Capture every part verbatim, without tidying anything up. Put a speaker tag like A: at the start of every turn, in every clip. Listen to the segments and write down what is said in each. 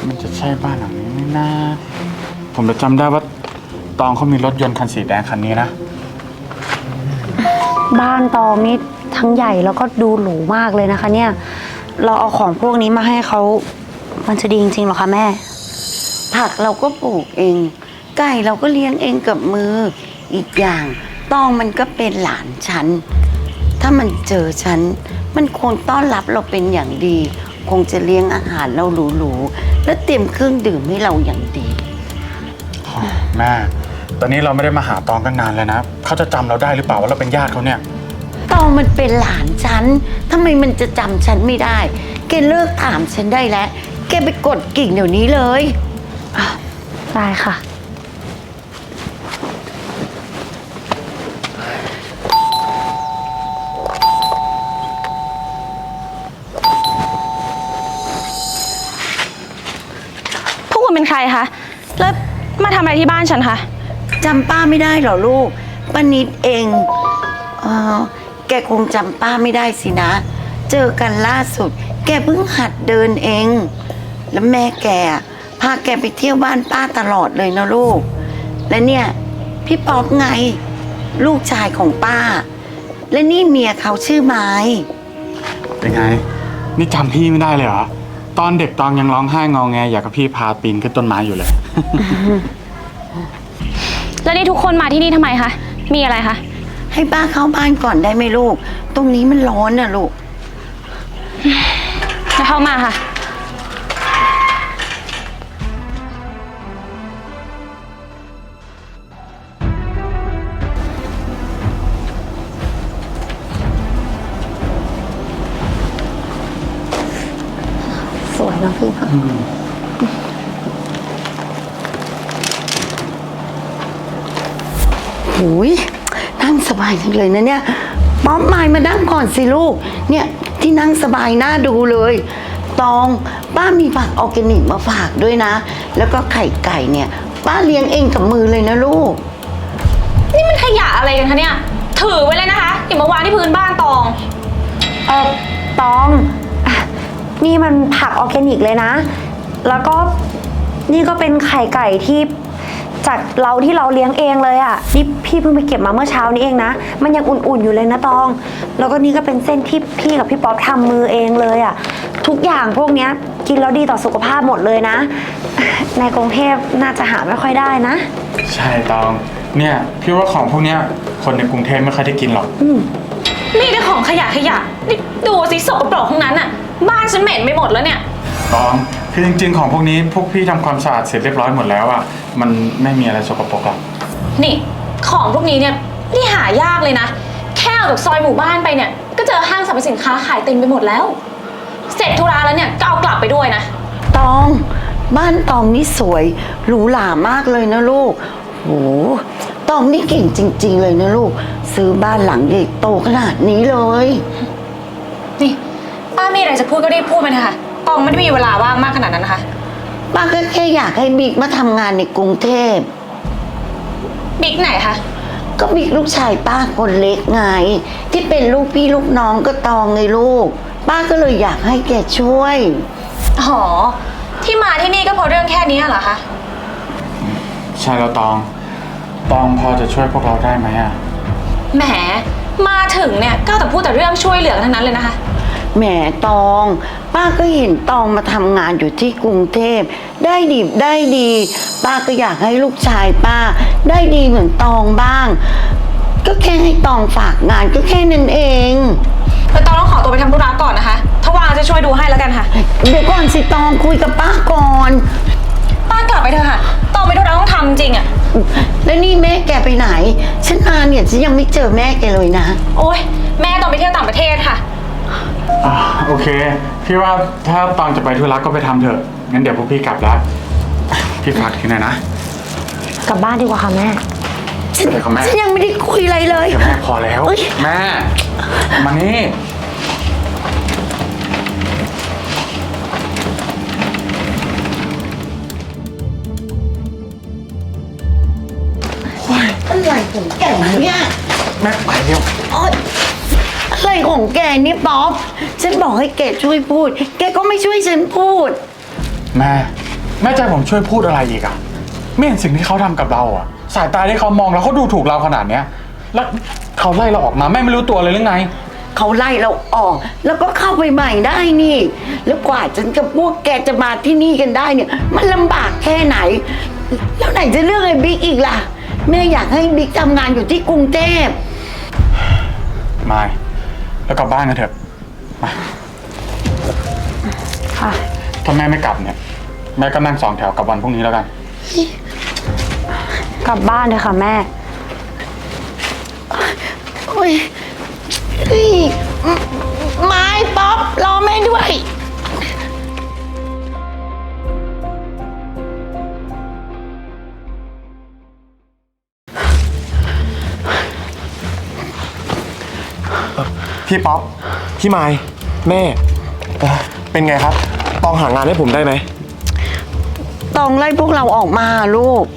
A: มันจะใช่บ้านหลังนี้ไหมนะผมจะจำได้ว่าตองเขามีรถยนต์คันสีแดงคันนี้นะ
B: บ้านตองนี่ทั้งใหญ่แล้วก็ดูหรูมากเลยนะคะเนี่ยเราเอาของพวกนี้มาให้เขามันจะดีจริงๆหรอคะแม่
C: ผักเราก็ปลูกเองไก่เราก็เลี้ยงเองกับมืออีกอย่างตองมันก็เป็นหลานฉันถ้ามันเจอฉันมันคงต้อนรับเราเป็นอย่างดีคงจะเลี้ยงอาหารเราหรูๆและเตรียมเครื่องดื่มให้เราอย่างดี
A: แม่ตอนนี้เราไม่ได้มาหาตองกันนานเลยนะเขาจะจำเราได้หรือเปล่าว่าเราเป็นญาติเขาเนี่ย
C: ตองมันเป็นหลานฉันทำไมมันจะจำฉันไม่ได้แกเลิกถามฉันได้แล้วแกไปกดกิ่งเดี๋ยวนี้เลย
B: ได้ค่ะ
D: พวกคุณเป็นใครคะแล้วมาทำอะไรที่บ้านฉันคะ
C: จำป้าไม่ได้เหรอลูกป้านิดเองเออแกคงจำป้าไม่ได้สินะเจอกันล่าสุดแกเพิ่งหัดเดินเองแล้วแม่แกพาแกไปเที่ยวบ้านป้าตลอดเลยนะลูกและเนี่ยพี่ป๊อปไงลูกชายของป้าและนี่เมียเขาชื่อไม้
A: เป็นไงนี่จำพี่ไม่ได้เลยเหรอตอนเด็กตองยังร้องไห้งอแงอยากกับพี่พาปีนขึ้นต้นไม้อยู่เลย
D: แล้วนี่ทุกคนมาที่นี่ทำไมคะมีอะไรคะ
C: ให้ป้าเข้าบ้านก่อนได้ไหมลูกตรงนี้มันร้อนน่ะลูก
D: จะเข้ามาค่ะ
B: สวยนะพี่ค่ะ
C: หูยนั่งสบายจังเลยนะเนี่ยป๊อปมายมานั่งก่อนสิลูกเนี่ยที่นั่งสบายน่าดูเลยตองป้ามีผักออร์แกนิกมาฝากด้วยนะแล้วก็ไข่ไก่เนี่ยป้าเลี้ยงเองกับมือเลยนะลูก
D: นี่มันขยะอะไรกันคะเนี่ยถือไว้เลยนะคะอย่ามาวางที่พื้นบ้านตอง
B: เออตองนี่มันผักออร์แกนิกเลยนะแล้วก็นี่ก็เป็นไข่ไก่ที่จากเราที่เราเลี้ยงเองเลยอ่ะนี่พี่เพิ่งไปเก็บมาเมื่อเช้านี้เองนะมันยังอุ่นๆอยู่เลยนะตองแล้วก็นี่ก็เป็นเส้นที่พี่กับพี่ป๊อปทำมือเองเลยอ่ะทุกอย่างพวกนี้กินแล้วดีต่อสุขภาพหมดเลยนะในกรุงเทพน่าจะหาไม่ค่อยได้นะ
A: ใช่ตองเนี่ยพี่ว่าของพวกนี้คนในกรุงเทพไม่ค่อยได้กินหรอก
D: มีแต่ของขยะขยะนี่ดูสิสกปรกทั้งนั้นอ่ะบ้านฉันเหม็นไปหมดแล้วเนี่ย
A: ตองคือจริงๆของพวกนี้พวกพี่ทำความสะอาดเสร็จเรียบร้อยหมดแล้วอ่ะมันไม่มีอะไรสกปรกหรอก
D: นี่ของพวกนี้เนี่ยนี่หายากเลยนะแค่ออกจากซอยหมู่บ้านไปเนี่ยก็เจอห้างสรรพสินค้าขายเต็มไปหมดแล้วเสร็จธุระแล้วเนี่ยก็เอากลับไปด้วยนะ
C: ตองบ้านตองนี่สวยหรูหรามากเลยนะลูกโหตองนี่เก่งจริงๆเลยนะลูกซื้อบ้านหลังใหญ่โตขนาดนี้เลย
D: นี่ป้ามีอะไรจะพูดก็รีบพูดไปนะคะตองไม่ได้มีเวลาว่างมากขนาดนั้นนะคะ
C: ป้าก็แค่อยากให้บิ๊กมาทำงานในกรุงเทพ
D: บิ๊กไหนคะ
C: ก็บิ๊กลูกชายป้าคนเล็กไงที่เป็นลูกพี่ลูกน้องก็ตองไงลูกป้าก็เลยอยากให้แกช่วย
D: อ๋อที่มาที่นี่ก็เพราะเรื่องแค่นี้เหรอคะ
A: ใช่แล้วตองตองพอจะช่วยพวกเราได้ไหมอ่ะ
D: แหมมาถึงเนี่ยก็แต่พูดแต่เรื่องช่วยเหลือทั้งนั้นเลยนะคะ
C: แหมตองป้าก็เห็นตองมาทำงานอยู่ที่กรุงเทพได้ดีได้ดีป้าก็อยากให้ลูกชายป้าได้ดีเหมือนตองบ้างก็แค่ให้ตองฝากงานก็แค่นั้นเอง
D: แต่ตองต้องขอตัวไปทำธุระก่อนนะคะถ้าว่างจะช่วยดูให้แล้วกันค่ะ
C: เดี๋ยวก่อนสิตองคุยกับป้าก่อน
D: ป้ากลับไปเถอะค่ะตองไปธุระต้องทำจริงอะ
C: แล้วนี่แม่แกไปไหนฉันมาเนี่ยฉันยังไม่เจอแม่แกเลยนะ
D: โอ๊ยแม่ตองไปเที่ยวต่างประเทศค่ะ
A: อ่าโอเคพี่ว่าถ้าตองจะไปธุระก็ไปทำเถอะงั้นเดี๋ยวพวกพี่กลับแล้วพี่ฝากทีหน่อยนะ
B: กลับบ้านดีกว่าค่ะแม่
C: ฉันฉันยังไม่ได้คุยอะไรเลย
A: แม่พอแล้วแม่มานี่
C: อะไรของแกเนี่ย
A: แม่ไปเร็ว
C: อะไรของแกนี่ป๊อปฉันบอกให้แกช่วยพูดแกก็ไม่ช่วยฉันพูด
A: แม่แม่ใจะให้ผมช่วยพูดอะไรอีกอะไม่เห็นสิ่งที่เขาทำกับเราอะสายตาที่เขามองแล้วเขาดูถูกเราขนาดเนี้ยแล้วเขาไล่เราออกมาแม่ไม่รู้ตัวเลยหรือไง
C: เขาไล่เราออก แล้วก็เข้าไปใหม่ได้นี่ แล้วกว่าฉันกับพวกแกจะมาที่นี่กันได้เนี่ย มันลำบากแค่ไหน แล้วไหนจะเรื่องไอ้บิ๊กอีกล่ะ แม่อยากให้บิ๊กทำงานอยู่ที่กรุงเทพ
A: ไม่แล้วกลับบ้านกันเถอะมา
B: ค่ะ
A: ถ้าแม่ไม่กลับเนี่ยแม่ก็นั่งสองแถวกลับวันพรุ่งนี้แล้วกัน
B: กลับบ้านเลยค่ะแม่
C: โอ้ยเฮ้ยไม้ป๊อปรอแม่ด้วย
E: พี่ป๊อป พี่ไม้แม่เอ่อเป็นไงครับ ตองหางานให้ผมได้ไหม
C: ต้องไล่พวกเราออกมาลูก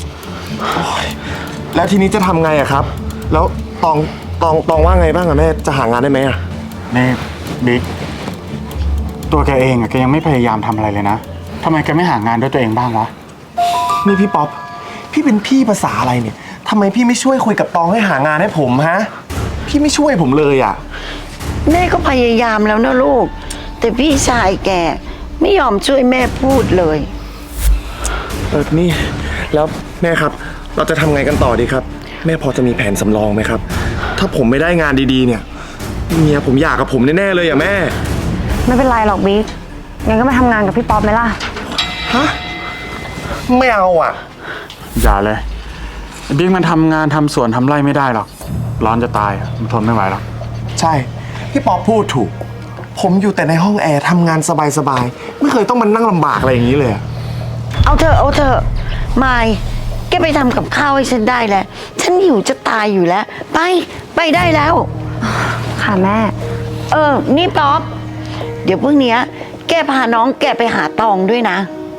E: แล้วทีนี้จะทำไงอะครับ แล้วตองตองตองว่าไงบ้างอะแม่ จะหางานได้ไหมอะ
A: นี่บิ๊กตัวแกเองอะแกยังไม่พยายามทำอะไรเลยนะทำไมแกไม่หางานด้วยตัวเองบ้างวะ
E: นี่พี่ป๊อป พี่เป็นพี่ภาษาอะไรเนี่ยทำไมพี่ไม่ช่วยคุยกับตองให้หางานให้ผมฮะ พี่ไม่ช่วยผมเลยอะ
C: แม่ก็พยายามแล้วนะลูก แต่พี่ชายแกไม่ยอมช่วยแม่พูดเลย
E: เออนี่ แล้วแม่ครับ เราจะทำไงกันต่อดีครับ แม่พอจะมีแผนสำรองไหมครับ ถ้าผมไม่ได้งานดีๆเนี่ยเมียผมอยากกับผมแน่ๆเลยอะแม่
B: ไม่เป็นไรหรอกบิ๊กงั้นก็มาทำงานกับพี่ป๊อปไหมล่ะ
E: ฮะ ไม่เอาอะ
A: อย่าเลยไอ้บิ๊กมันทำงานทำสวนทำไร่ไม่ได้หรอกร้อนจะตายอะมันทนไม่ไหวหรอก
E: ใช่ พี่ป๊อปพูดถูก ผมอยู่แต่ในห้องแอร์ทำงานสบายๆ ไม่เคยต้องมานั่งลำบากอะไรอย่างนี้เลยอะ
C: เอาเถอะเอาเถอะไม่แกไปทำกับข้าวให้ฉันได้แล้ว ฉันหิวจะตายอยู่แล้ว ไป ไปได้แล้ว
B: ค่ะแม่
C: เออ นี่ป๊อป เดี๋ยวพรุ่งเนี้ยแกพาน้องแกไปหาตองด้วยนะ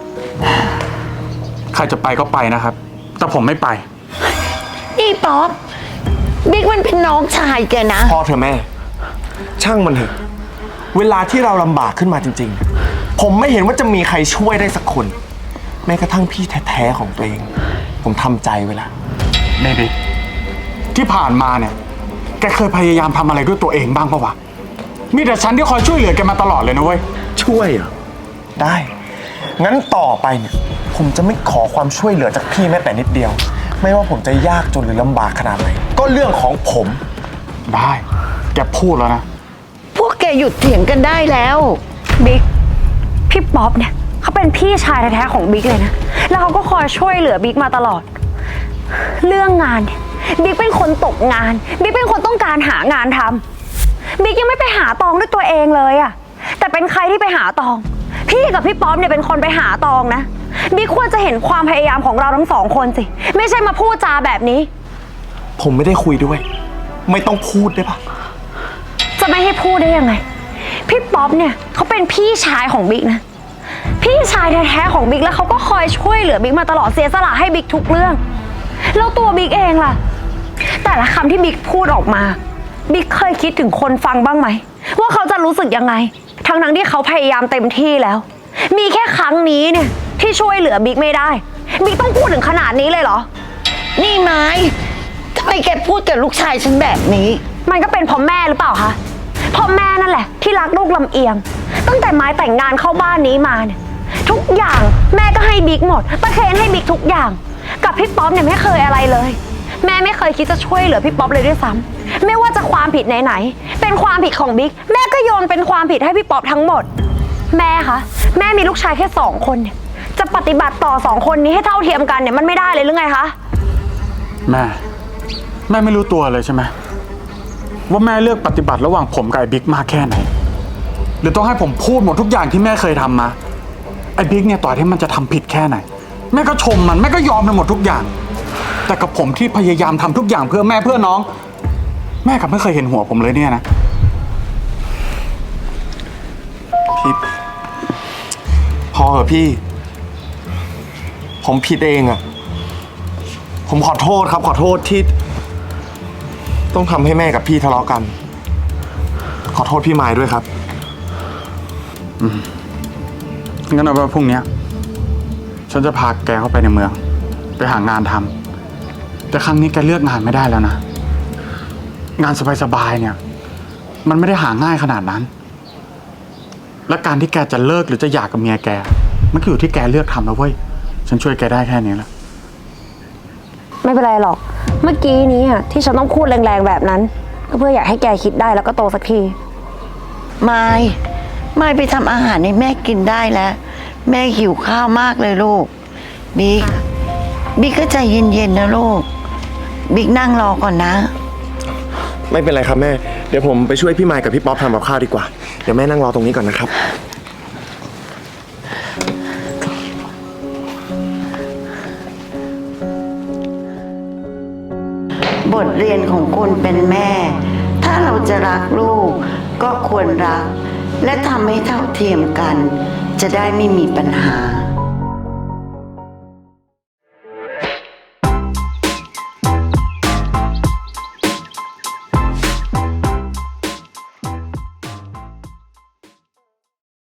A: ใครจะไปก็ไปนะครับ แต่ผมไม่ไป
C: นี่ป๊อป บิ๊กมันเป็นน้องชายแกนะ
E: พอเถอะแม่ ช่างมันเถอะ เวลาที่เราลำบากขึ้นมาจริงๆ ผมไม่เห็นว่าจะมีใครช่วยได้สักคน แม้กระทั่งพี่แท้ๆของตัวเอง ผมทำใจไว้แล้ว
A: นี่บิ๊กที่ผ่านมาเนี่ยแกเคยพยายามทำอะไรด้วยตัวเองบ้างปะวะมีแต่ฉันที่คอยช่วยเหลือแกมาตลอดเลยนะเว้ย
E: ช่วยเหรอ ได้ งั้นต่อไปเนี่ย ผมจะไม่ขอความช่วยเหลือจากพี่แม้แต่นิดเดียว ไม่ว่าผมจะยากจนหรือลำบากขนาดไหน ก็เรื่องของผม
A: ได้แกพูดแล้วนะ
C: พวกแกหยุดเถียงกันได้แล้ว
B: บิ๊กพี่ป๊อปเนี่ยเขาเป็นพี่ชายแท้ๆของบิ๊กเลยนะ แล้วเขาก็คอยช่วยเหลือบิ๊กมาตลอด เรื่องงานเนี่ยบิ๊กเป็นคนตกงาน บิ๊กเป็นคนต้องการหางานทำบิ๊กยังไม่ไปหาตองด้วยตัวเองเลยอะแต่เป็นใครที่ไปหาตอง พี่กับพี่ป๊อปเนี่ยเป็นคนไปหาตองนะ บิ๊กควรจะเห็นความพยายามของเราทั้งสองคนสิ ไม่ใช่มาพูดจาแบบนี้
E: ผมไม่ได้คุยด้วย ไม่ต้องพูดได้ปะ
B: จะไม่ให้พูดได้ยังไง พี่ป๊อปเนี่ยเขาเป็นพี่ชายของบิ๊กนะ พี่ชายแท้ๆของบิ๊กแล้วเขาก็คอยช่วยเหลือบิ๊กมาตลอดเสียสละให้บิ๊กทุกเรื่อง แล้วตัวบิ๊กเองล่ะ แต่ละคำที่บิ๊กพูดออกมา บิ๊กเคยคิดถึงคนฟังบ้างไหมว่าเขาจะรู้สึกยังไง ทั้งๆที่เขาพยายามเต็มที่แล้ว มีแค่ครั้งนี้เนี่ยที่ช่วยเหลือบิ๊กไม่ได้ บิ๊กต้องพูดถึงขนาดนี้เลยเหรอ
C: นี่ไม้ทำไมแกพูดกับลูกชายฉันแบบนี้
B: มันก็เป็นเพราะแม่หรือเปล่าคะเพราะแม่นั่นแหละที่รักลูกลำเอียง ตั้งแต่ไม้แต่งงานเข้าบ้านนี้มาเนี่ยทุกอย่างแม่ก็ให้บิ๊กหมดประเคนให้บิ๊กทุกอย่าง กับพี่ป๊อปเนี่ยไม่เคยอะไรเลย แม่ไม่เคยคิดจะช่วยเหลือพี่ป๊อปเลยด้วยซ้ำไม่ว่าจะความผิดไหนๆเป็นความผิดของบิ๊กแม่ก็โยนเป็นความผิดให้พี่ป๊อปทั้งหมด แม่คะแม่มีลูกชายแค่สองคนเนี่ยจะปฏิบัติต่อสองคนนี้ให้เท่าเทียมกันเนี่ยมันไม่ได้เลยหรือไงคะ
A: แม่แม่ไม่รู้ตัวเลยใช่ไหมว่าแม่เลือกปฏิบัติระหว่างผมกับไอ้บิ๊กมากแค่ไหนหรือต้องให้ผมพูดหมดทุกอย่างที่แม่เคยทำมาไอ้บิ๊กเนี่ยต่อที่มันจะทำผิดแค่ไหนแม่ก็ชมมันแม่ก็ยอมไปหมดทุกอย่าง แต่กับผมที่พยายามทำทุกอย่างเพื่อแม่เพื่อน้อง แม่กลับไม่เคยเห็นหัวผมเลยเนี่ยนะ
E: พี่ พอเหอะพี่ ผมผิดเองอะผมขอโทษครับ ขอโทษที่ ต้องทำให้แม่กับพี่ทะเลาะกัน ขอโทษพี่ไม้ด้วยครับ
A: งั้นเอาไว้พรุ่งนี้ฉันจะพาแกเข้าไปในเมือง ไปหางานทำแต่ครั้งนี้แกเลือกงานไม่ได้แล้วนะ งานสบายๆเนี่ย มันไม่ได้หาง่ายขนาดนั้น และการที่แกจะเลิกหรือจะหย่ากับเมียแก มันก็อยู่ที่แกเลือกทำแล้วเว้ย ฉันช่วยแกได้แค่นี้แหละ
B: ไม่เป็นไรหรอก เมื่อกี้นี้อ่ะที่ฉันต้องพูดแรงๆแบบนั้น ก็เพื่ออยากให้แกคิดได้แล้วก็โตสักที
C: ไม่ไม่ไปทำอาหารให้แม่กินได้แล้ว แม่หิวข้าวมากเลยลูก บิ๊ก บิ๊กก็ใจเย็นๆนะลูก บิ๊กนั่งรอก่อนนะ
E: ไม่เป็นไรครับแม่ เดี๋ยวผมไปช่วยพี่ไมค์กับพี่ป๊อปทำกับข้าวดีกว่า เดี๋ยวแม่นั่งรอตรงนี้ก่อนนะครับ
C: บทเรียนของคนเป็นแม่ ถ้าเราจะรักลูก ก็ควรรัก และทำให้เท่าเทียมกัน จะได้ไม่มีปัญหา